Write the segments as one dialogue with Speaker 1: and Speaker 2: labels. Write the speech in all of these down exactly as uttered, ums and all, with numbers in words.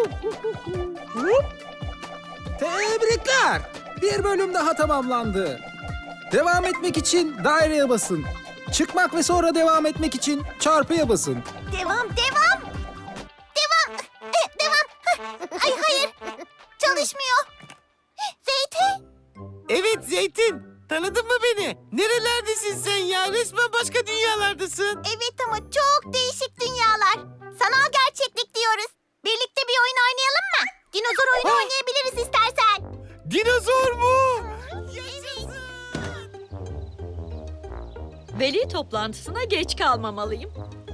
Speaker 1: Tebrikler! Bir bölüm daha tamamlandı. Devam etmek için daireye basın. Çıkmak ve sonra devam etmek için çarpıya basın.
Speaker 2: Devam, devam. Devam, eh, devam. Ay hayır, çalışmıyor. Zeytin.
Speaker 3: Evet Zeytin, tanıdın mı beni? Nerelerdesin sen ya? Resmen başka dünyalardasın.
Speaker 2: Evet ama çok değişik dünyalar. Sanal gerçeklik diyoruz. Birlikte bir oyun oynayalım mı? Dinozor oyunu
Speaker 3: Ha.
Speaker 2: oynayabiliriz istersen.
Speaker 3: Dinozor mu?
Speaker 4: Veli toplantısına geç kalmamalıyım.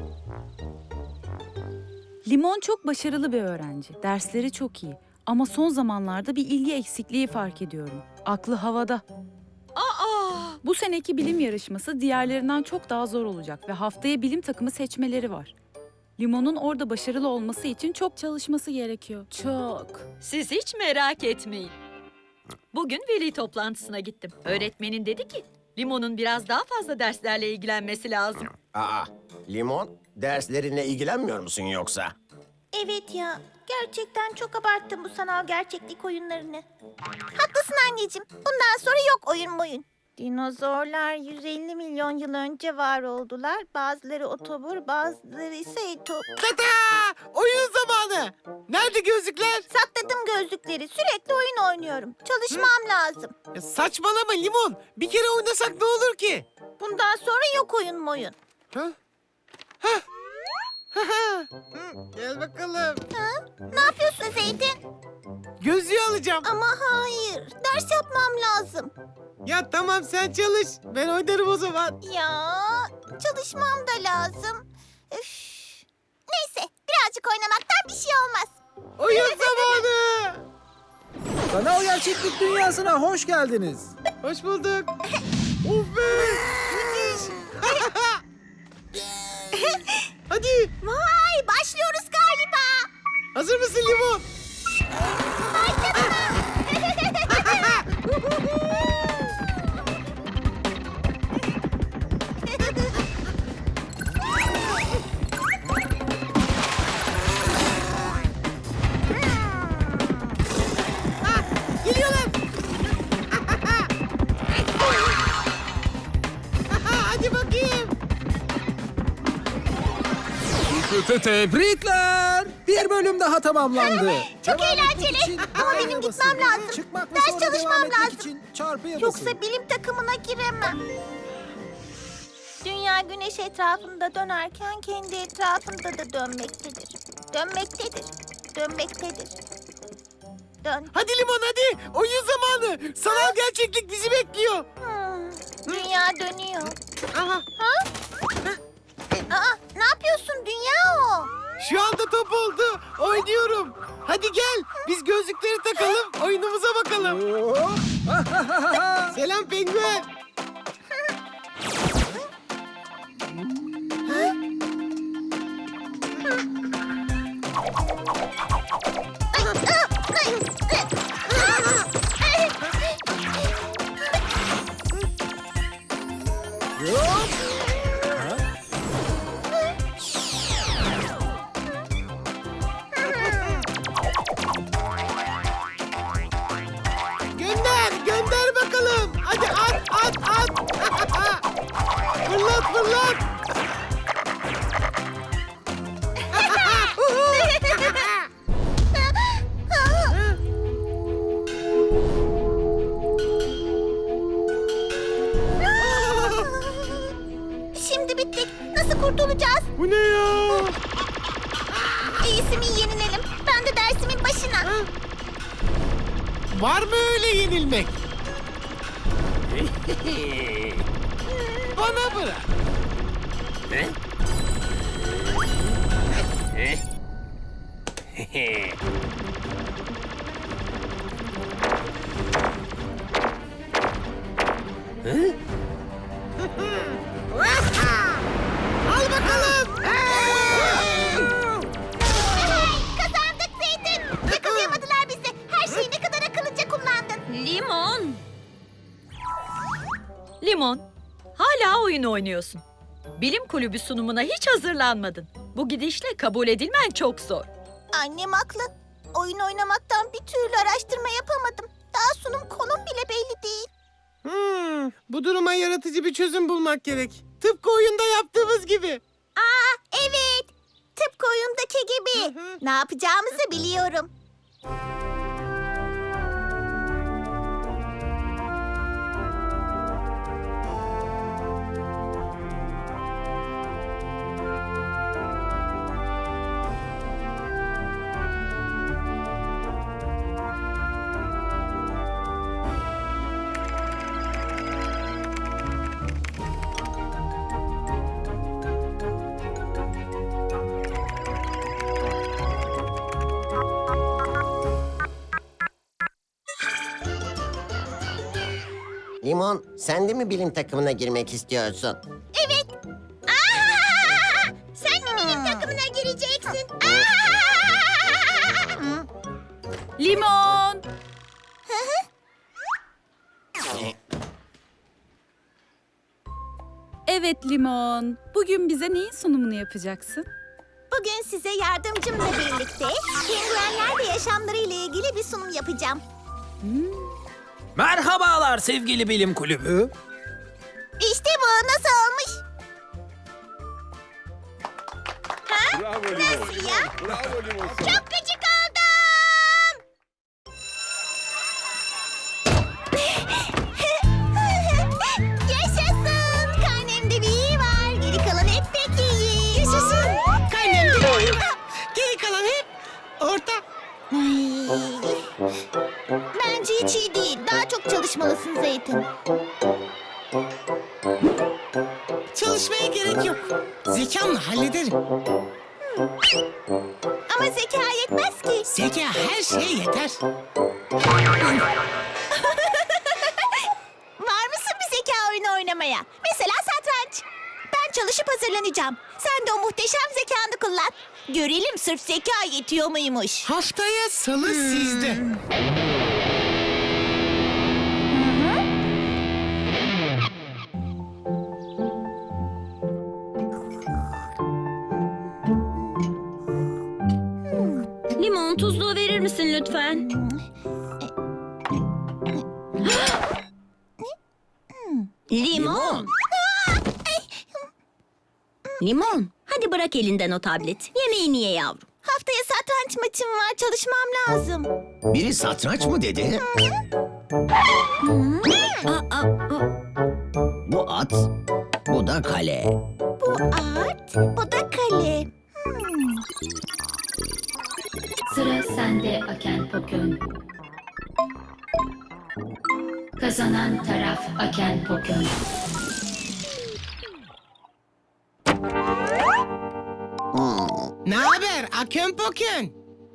Speaker 5: Limon çok başarılı bir öğrenci. Dersleri çok iyi. Ama son zamanlarda bir ilgi eksikliği fark ediyorum. Aklı havada.
Speaker 4: Aa!
Speaker 5: Bu seneki bilim yarışması diğerlerinden çok daha zor olacak ve haftaya bilim takımı seçmeleri var. Limon'un orada başarılı olması için çok çalışması gerekiyor. Çok.
Speaker 4: Siz hiç merak etmeyin. Bugün veli toplantısına gittim. Öğretmenin dedi ki, Limon'un biraz daha fazla derslerle ilgilenmesi lazım.
Speaker 6: Aa, Limon, derslerinle ilgilenmiyor musun yoksa?
Speaker 2: Evet ya, gerçekten çok abarttım bu sanal gerçeklik oyunlarını. Haklısın anneciğim, bundan sonra yok oyun boyun. Dinozorlar yüz elli milyon yıl önce var oldular. Bazıları otobur, bazıları ise etop.
Speaker 3: Tata! Oyun zamanı. Nerede gözlükler?
Speaker 2: Sakladım gözlükleri, sürekli oyun oynuyorum. Çalışmam lazım.
Speaker 3: Ya saçmalama Limon. Bir kere oynasak ne olur ki?
Speaker 2: Bundan sonra yok oyun boyun.
Speaker 3: Ha? Ha? Ha ha. Hı, Gel bakalım.
Speaker 2: Ne yapıyorsun Zeytin?
Speaker 3: Gözlüğü alacağım.
Speaker 2: Ama hayır, ders yapmam lazım.
Speaker 3: Ya tamam sen çalış. Ben oynarım o zaman.
Speaker 2: Ya çalışmam da lazım. Üf. Neyse, birazcık oynamaktan bir şey olmaz.
Speaker 3: Oyun zamanı.
Speaker 1: Sanal gerçeklik dünyasına hoş geldiniz.
Speaker 3: Hoş bulduk. Of be. Müthiş. Hadi.
Speaker 2: Vay, başlıyoruz galiba.
Speaker 3: Hazır mısın Limon? Geliyorlar. Hadi bakayım.
Speaker 1: Tebrikler! Bir bölüm daha tamamlandı.
Speaker 2: Çok
Speaker 1: Devam etmek
Speaker 2: eğlenceli.
Speaker 1: için
Speaker 2: Ama
Speaker 1: daireye
Speaker 2: benim
Speaker 1: basın.
Speaker 2: gitmem lazım.
Speaker 1: Çıkmak ve
Speaker 2: Ders
Speaker 1: sonra
Speaker 2: çalışmam
Speaker 1: devam etmek
Speaker 2: lazım.
Speaker 1: için çarpıya basın.
Speaker 2: Yoksa bilim takımına giremem. Dünya güneş etrafında dönerken kendi etrafında da dönmektedir. Dönmektedir. Dönmektedir. Dön.
Speaker 3: Hadi Limon hadi. Oyun zamanı. Sanal gerçeklik bizi bekliyor.
Speaker 2: Hmm, dünya dönüyor.
Speaker 3: Aha.
Speaker 2: Aa, ne yapıyorsun? Dünya o.
Speaker 3: Şu anda top oldu. Oynuyorum. Hadi gel. Biz gözlükleri takalım. Oyunumuza bakalım.
Speaker 1: Oo.
Speaker 3: Selam penguen.
Speaker 1: Yok.
Speaker 3: Gönder. Gönder bakalım. Hadi at at at. Fırlat fırlat.
Speaker 2: Şimdi bittik. Nasıl kurtulacağız?
Speaker 3: Bu ne ya?
Speaker 2: İyisi mi yenilelim? Ben de dersimin başına.
Speaker 3: Var mı öyle yenilmek? Bana bırak. Al bakalım.
Speaker 2: Kazandık Zeytin. Yakalayamadılar bizi. Her şeyi ne kadar akıllıca kullandın.
Speaker 4: Limon! Limon, hala oyun oynuyorsun. Bilim kulübü sunumuna hiç hazırlanmadın. Bu gidişle kabul edilmen çok zor.
Speaker 2: Annem haklı. Oyun oynamaktan bir türlü araştırma yapamadım. Daha sunum konum bile belli değil.
Speaker 3: Hmm, bu duruma yaratıcı bir çözüm bulmak gerek. Tıpkı oyunda yaptığımız gibi.
Speaker 2: Aa, evet. Tıpkı oyundaki gibi.
Speaker 3: Hı hı.
Speaker 2: Ne yapacağımızı biliyorum.
Speaker 6: Limon, sen de mi bilim takımına girmek istiyorsun?
Speaker 2: Evet. Aa, sen de benim takımına gireceksin. Aa!
Speaker 5: Limon! Evet Limon. Bugün bize neyin sunumunu yapacaksın?
Speaker 2: Bugün size yardımcımla birlikte penguenlerle yaşamları ile ilgili bir sunum yapacağım.
Speaker 1: Merhabalar sevgili bilim kulübü.
Speaker 2: İşte bu nasıl olmuş? Ha? Nasıl ya? Çok gıcık oldum. Yaşasın. Karnemde bir iyi var. Geri kalan hep pek iyi.
Speaker 3: Yaşasın. Karnemde bir oyun var. Geri kalan hep orta.
Speaker 2: Bence hiç iyi değil. Daha çok çalışmalısın Zeytin.
Speaker 3: Çalışmaya gerek yok. Zekamla hallederim.
Speaker 2: Ama zeka yetmez ki.
Speaker 3: Zeka her şeye yeter.
Speaker 2: Var mısın bir zeka oyunu oynamaya? Mesela satranç. Ben çalışıp hazırlanacağım. Sen de o muhteşem zekanı kullan. Görelim sırf zeka yetiyor muymuş.
Speaker 3: Haftaya salı sizde.
Speaker 7: Limon tuzluğu verir misin lütfen? Limon. Limon. Hadi bırak elinden o tablet. Yemeğini ye yavrum.
Speaker 2: Haftaya satranç maçım var. Çalışmam lazım.
Speaker 6: Biri satranç mı dedi?
Speaker 7: Aa, aa, aa.
Speaker 6: Bu at, bu da kale.
Speaker 2: Bu at, bu da kale.
Speaker 8: Sıra sende Aken Pokön. Kazanan taraf Aken Pokön.
Speaker 3: Ne haber Akön Pokön?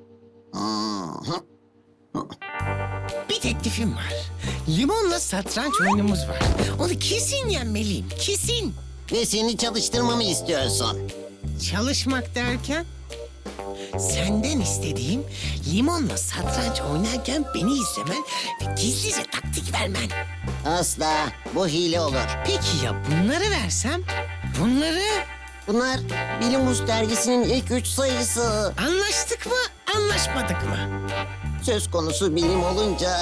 Speaker 3: Bir teklifim var. Limonla satranç oyunumuz var. Onu kesin yenmeliyim, kesin.
Speaker 6: Ve seni çalıştırmamı istiyorsun.
Speaker 3: Çalışmak derken? Senden istediğim limonla satranç oynarken beni izlemen ve gizlice taktik vermen.
Speaker 6: Asla, bu hile olur.
Speaker 3: Peki ya bunları versem? Bunları
Speaker 6: Bunlar Bilimus dergisinin ilk üç sayısı.
Speaker 3: anlaştık mı, anlaşmadık mı?
Speaker 6: Söz konusu bilim olunca...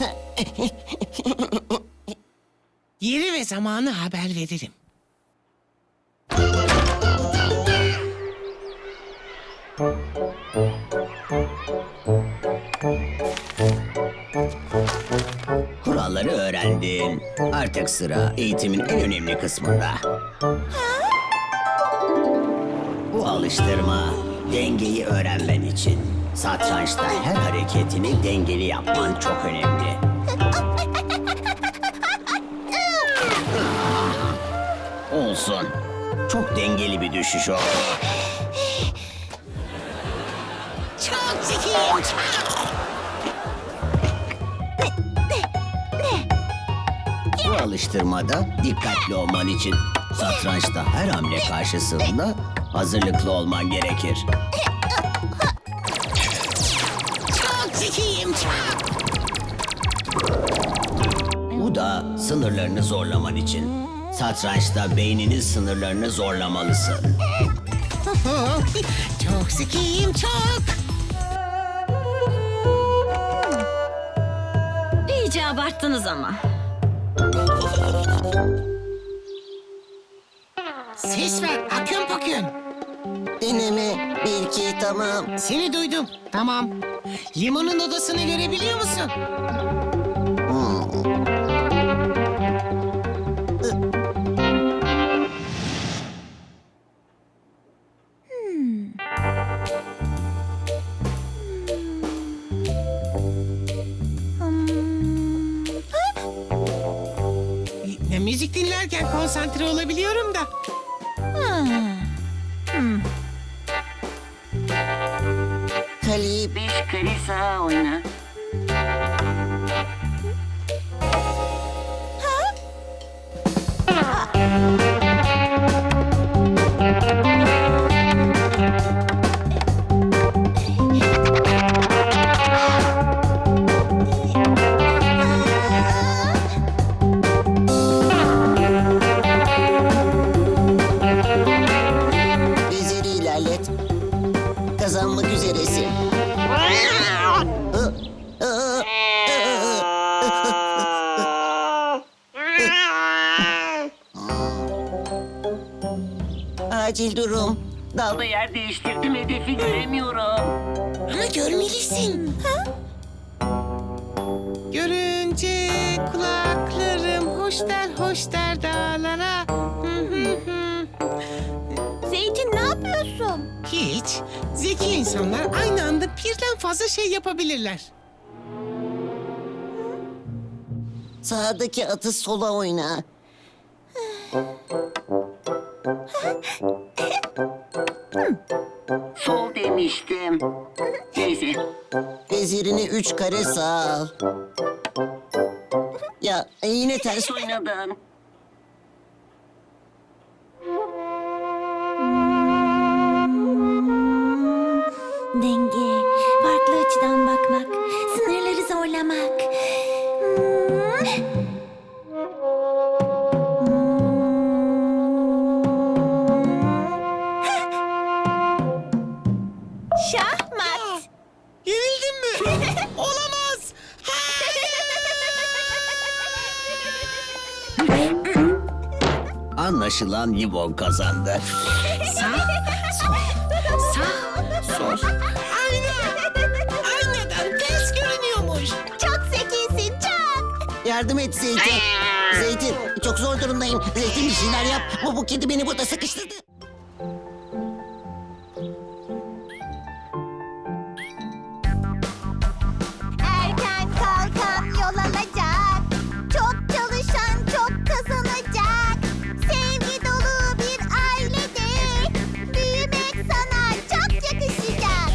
Speaker 3: Yeri ve zamanı haber veririm.
Speaker 6: Kuralları öğrendin. Artık sıra eğitimin en önemli kısmında. Bu alıştırma dengeyi öğrenmen için. Satrançta her hareketini dengeli yapman çok önemli. Olsun. Çok dengeli bir düşüş oldu.
Speaker 3: Çok zekiyim, çok.
Speaker 6: Bu alıştırmada dikkatli olman için satrançta her hamle karşısında hazırlıklı olman gerekir.
Speaker 3: Çok zekiyim, çok.
Speaker 6: Bu da sınırlarını zorlaman için. Satrançta beyninin sınırlarını zorlamalısın.
Speaker 3: Çok zekiyim, çok.
Speaker 7: abarttınız ama.
Speaker 3: Ses ver Akın Pokün.
Speaker 6: Deneme bir iki tamam.
Speaker 3: Seni duydum. Tamam. Limonun odasını görebiliyor musun? Ne müzik dinlerken konsantre olabiliyorum da.
Speaker 6: Kaleyi beş kare sağa oyna. Veziri ilerlet. Kazanmak üzeresin. Acil durum. Dalda yer değiştirdim, hedefi göremiyorum.
Speaker 3: Ama görmelisin. Görünce kulaklarım hoş der hoş der dağlara. Hı hı hı.
Speaker 2: Zeytin ne yapıyorsun?
Speaker 3: Hiç. Zeki insanlar aynı anda birden fazla şey yapabilirler.
Speaker 6: Sağdaki atı sola oyna. Sol demiştim. Neyse. Vezirini üç kare sağ al. Ya yine ters oynadın.
Speaker 2: Denge, farklı açıdan bakmak, sınırları zorlamak. Şahmat.
Speaker 3: Yenildin mi? Olamaz.
Speaker 6: Anlaşılan Limon kazandı.
Speaker 3: Sağ, sol, sağ, sol. Ayna. Aynadan ters görünüyormuş.
Speaker 2: Çok zekisin, çok.
Speaker 6: Yardım et Zeytin. Zeytin çok zor durumdayım. Zeytin bir şeyler yap. Bu, bu kedi beni burada sıkıştırdı.
Speaker 2: Erken kalkan yol alacak. Çok çalışan çok kazanacak. Sevgi dolu bir ailede büyümek sana çok yakışacak.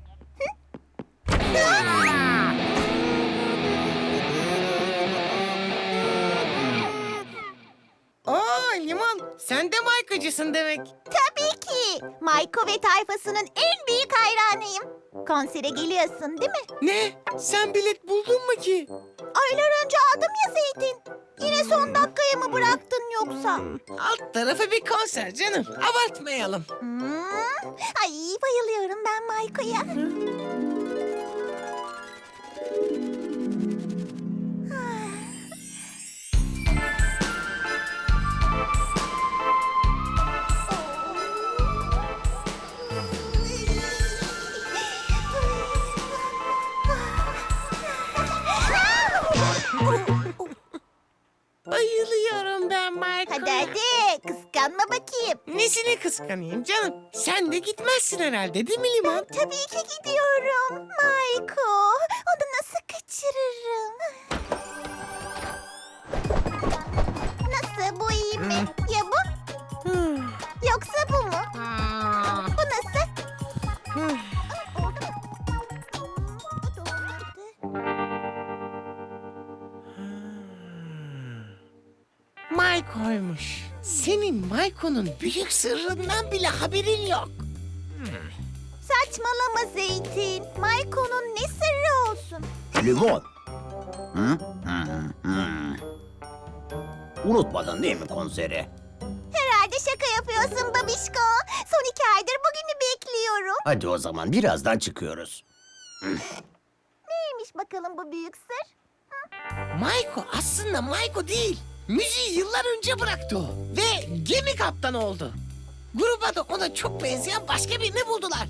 Speaker 3: Oo Limon, sen de Maykocusun demek.
Speaker 2: Tabii ki. Mayko ve tayfasının en büyük hayranıyım. Konsere geliyorsun değil mi?
Speaker 3: Ne? Sen bilet buldun mu ki?
Speaker 2: Aylar önce aldım ya Zeytin. Yine son dakikaya mı bıraktın yoksa?
Speaker 3: Alt tarafı bir konser canım. Abartmayalım.
Speaker 2: Hmm. Ay bayılıyorum ben Mayko'ya.
Speaker 3: Bayılıyorum ben Mayko'ya.
Speaker 2: Hadi hadi kıskanma bakayım.
Speaker 3: Nesine kıskanayım canım? Sen de gitmezsin herhalde değil mi Limon?
Speaker 2: Tabii ki gidiyorum. Mayko, onu nasıl kaçırırım? Nasıl, bu iyi mi? Ya bu? Yoksa bu mu?
Speaker 3: Aa,
Speaker 2: Bu nasıl?
Speaker 3: hı.
Speaker 2: Oldu mu? Doğru.
Speaker 3: Mayko'ymuş. Senin Mayko'nun büyük sırrından bile haberin yok.
Speaker 2: Saçmalama Zeytin. Mayko'nun ne sırrı olsun?
Speaker 6: Limon. Hı? Hı, hı. Unutmadın değil mi konseri?
Speaker 2: Herhalde şaka yapıyorsun babişko. Son iki aydır bugünü bekliyorum.
Speaker 6: Hadi o zaman birazdan çıkıyoruz.
Speaker 2: Neymiş bakalım bu büyük sır?
Speaker 3: Mayko aslında Mayko değil. Müziği yıllar önce bıraktı o. Ve gemi kaptanı oldu. Gruba da ona çok benzeyen başka birini buldular.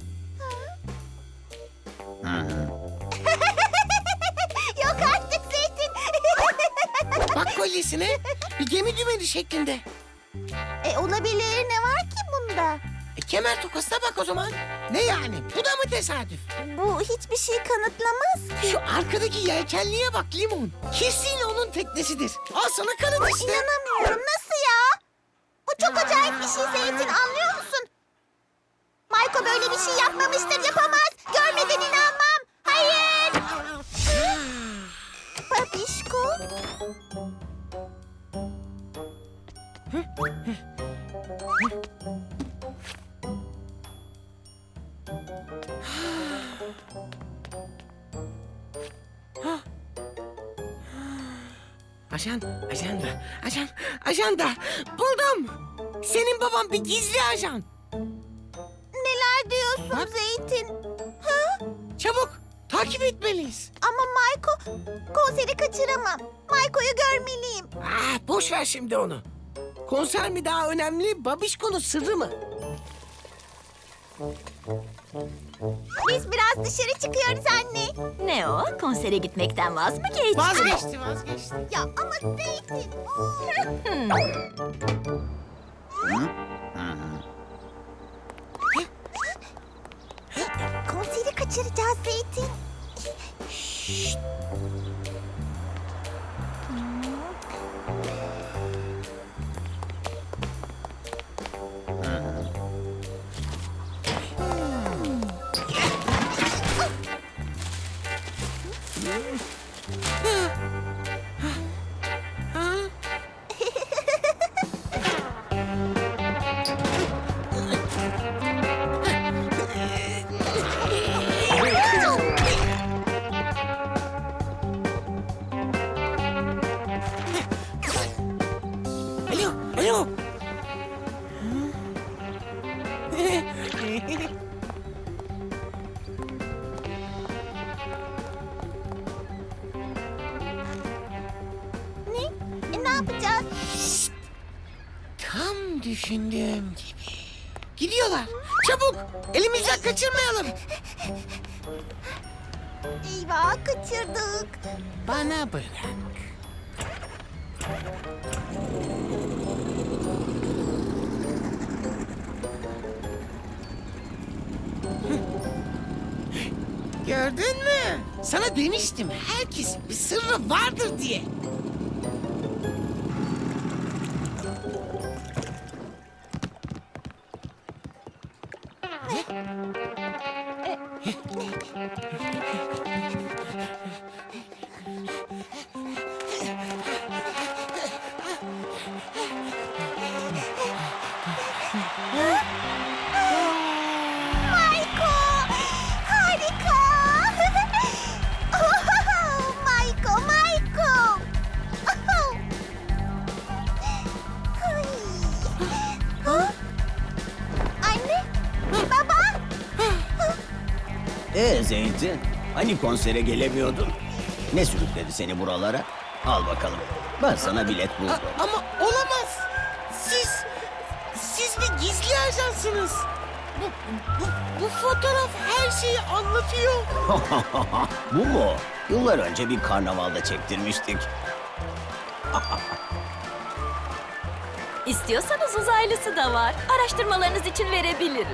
Speaker 2: Yok artık Zeytin.
Speaker 3: Bak kolyesine bir gemi dümeni şeklinde.
Speaker 2: e, olabilir, ne var ki bunda?
Speaker 3: E, kemer tokasına bak o zaman. Ne yani? Bu da mı tesadüf?
Speaker 2: Bu hiçbir şey kanıtlamaz.
Speaker 3: Şu arkadaki yelkenliğe bak Limon. Kesin onun teknesidir. Al sana kanıt işte.
Speaker 2: İnanamıyorum, nasıl ya? Bu çok acayip bir şey Zeytin, anlıyor musun? Mayko böyle bir şey yapmamıştır, yapamaz. Görmeden inanmam. Hayır. Babişko.
Speaker 3: Ajan, ajanda, ajan, ajanda. Buldum. Senin baban bir gizli ajan.
Speaker 2: Neler diyorsun
Speaker 3: Bak.
Speaker 2: Zeytin?
Speaker 3: Çabuk, takip etmeliyiz.
Speaker 2: Ama Mayko, konseri kaçıramam. Mayko'yu görmeliyim.
Speaker 3: Ah, boş ver şimdi onu. Konser mi daha önemli, Babişko'nun sırrı mı?
Speaker 2: Biz biraz dışarı çıkıyoruz anne.
Speaker 7: Ne o? Konsere gitmekten vaz mı geçti?
Speaker 3: Vazgeçti, vazgeçti.
Speaker 2: Ya ama Zeytin. Konseri kaçıracağız Zeytin.
Speaker 3: Alo, alo.
Speaker 2: Ne? E, ne yapacağız?
Speaker 3: Tam düşündüğüm gibi. Gidiyorlar. Çabuk, elimizden kaçırmayalım.
Speaker 2: Eyvah, kaçırdık.
Speaker 3: Bana bırak. Gördün mü? Sana demiştim herkesin bir sırrı vardır diye.
Speaker 2: Mayko! Harika! Mayko, Mayko! Ay. Ha? Anne, baba!
Speaker 6: Ee Zeytin, hani konsere gelemiyordun? Ne sürükledi seni buralara? Al bakalım. Ben sana bilet buldum.
Speaker 3: A- ama olamaz. Siz, siz bir gizli ajansınız. Bu, bu, bu fotoğraf her şeyi anlatıyor.
Speaker 6: Bu mu? Yıllar önce bir karnavalda çektirmiştik.
Speaker 7: İstiyorsanız uzaylısı da var. Araştırmalarınız için verebilirim.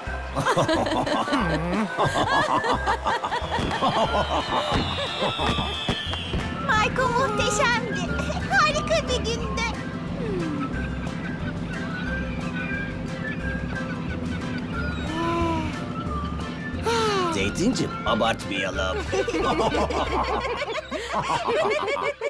Speaker 2: Mayko muhteşemdi. Harika bir gündü.
Speaker 6: Zeytincim, abartmayalım.